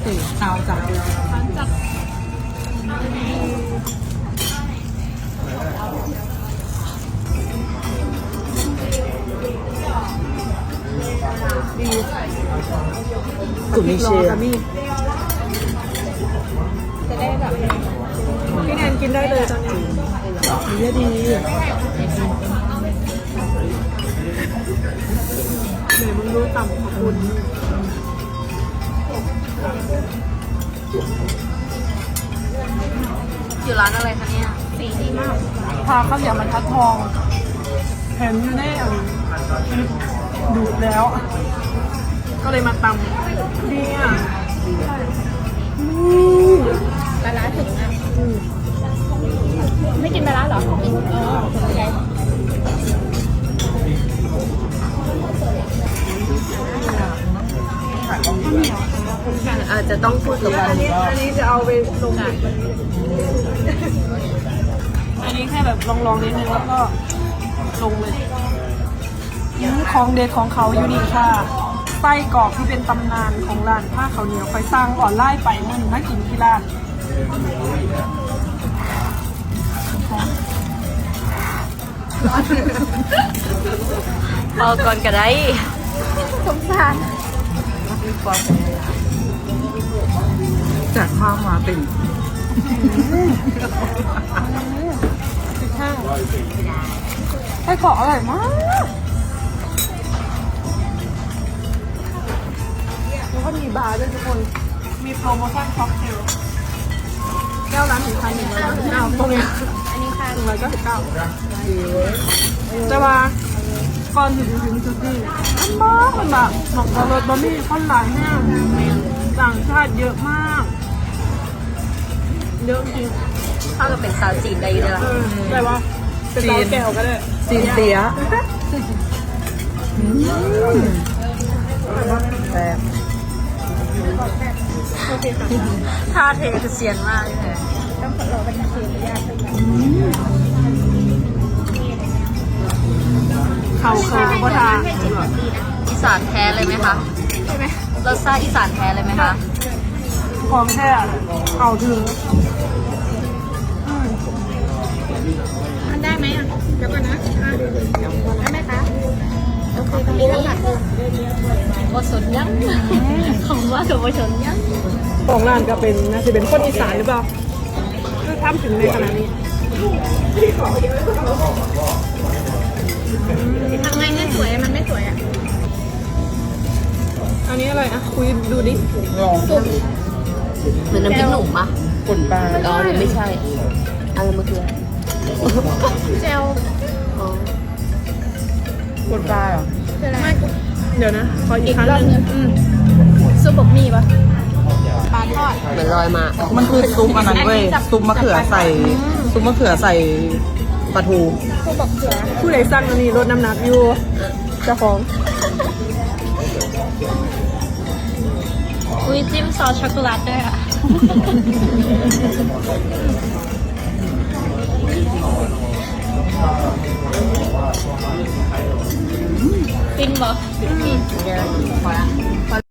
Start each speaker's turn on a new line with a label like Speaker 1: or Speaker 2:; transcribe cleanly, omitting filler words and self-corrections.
Speaker 1: ติขาวจัด
Speaker 2: จัด
Speaker 1: ดี
Speaker 3: กลุ่มนี้เชียร์
Speaker 1: มีจะได้แบบพี่แนนกินได้เลยตอนนี้ดีดีไหนมึงรู้ต่ำขอบคุณ
Speaker 2: อยู่ร้านอะไรคะเนี่ยสีดีมาก
Speaker 1: พาข้าวเหนียวมันทัดทองเห็นอยู่ในดูดแล้ว ก็เลยมาตำดีอ่ะ
Speaker 2: ปลาร้าถึงอ่ะไม่กินปลาร้าเหรออาจจะต้องพูดกับ
Speaker 1: อันนี้จะเอาไปลงอันนี้แค่แบบลองนิดนึงแล้วก็ลงเลยของเด็ดของเขาอยู่นี่ค่ะไส้กรอกที่เป็นตำนานของร้านผ้าเขาเหนียวคอยสร้างออนไลน์ไปนั่นน่ากินที่ร้าน
Speaker 2: เอาก่อนก็ได้สงสาร
Speaker 3: จากข้าวมาเป็น
Speaker 1: ข้าวไส้กรอกอร่อยมากแล้วก็มีบาร์ด้วยทุกคนมีโปรโมชั่นค็อกเทลแก้วร้าน1,199ตรงนี้
Speaker 2: อันนี้ค่ะ
Speaker 1: 199จะว่าก่อนถึงจุดนี้มันแบบหมอกรสบะหมี่ข้าวหลายแห้งต่างชาติเยอะมากเยอะจริง
Speaker 2: ถ้าเราเป็นสาวจีนได้อยู่เลยล่ะ
Speaker 1: แต่ว่าเป็นเตาแก้วก็ได้
Speaker 3: จีนเตี้ยแต่
Speaker 1: โอเคค่ะ
Speaker 2: ท่าเทคือเซียนมากเลยต้องรอเป็นนาทียากเลย
Speaker 1: เขาคือก็ทาน
Speaker 2: อีสานแท้เลยไหมคะใช่ไหมรสชาติอีสานแท้เลยไหมคะ
Speaker 1: ของแท้เอาถึง
Speaker 2: มันได้ไหมอ่ะเดี๋ยวก่อนนะได้ไหมคะโอเคตรงนี้แล้วค่ะโอสนยังของว่ากับโอสนยัง
Speaker 1: ของร้านก็เป็นนะจะเป็นคนอีสานหรือเปล่าคือทำถึงในขนาดนี้
Speaker 2: ทำไงให้สวยมันไม่สวยอ่ะ
Speaker 1: อันนี้อะไรอ่ะคุยดูดิ
Speaker 3: ลอง
Speaker 2: เหมือนน้ำพริกหนุ่มปะ
Speaker 3: กดปลา
Speaker 2: อ๋อหรือไม่ใช่อะไรเมื่อกี้เจล
Speaker 3: กดปลาเหรอ
Speaker 2: ไม่
Speaker 1: เดี๋ยวนะขออีกครั้งหนึง
Speaker 2: ซุปบะหมี่ปะปลาทอดเหมือนลอยมา
Speaker 3: มันคือซุปอันนั้นเว้ยซุปมะเขือใส่ซุปมะเขือใส่ปลาทู
Speaker 2: ซุปบะเขือ
Speaker 1: ผู้ใดสั่งอันนี้ลดน้ำหนักอยู่เจ้าของ
Speaker 2: อุ้ยจิ้มซอสช็อกโกแลตด้วยอ่ะฟินบ่ฟิน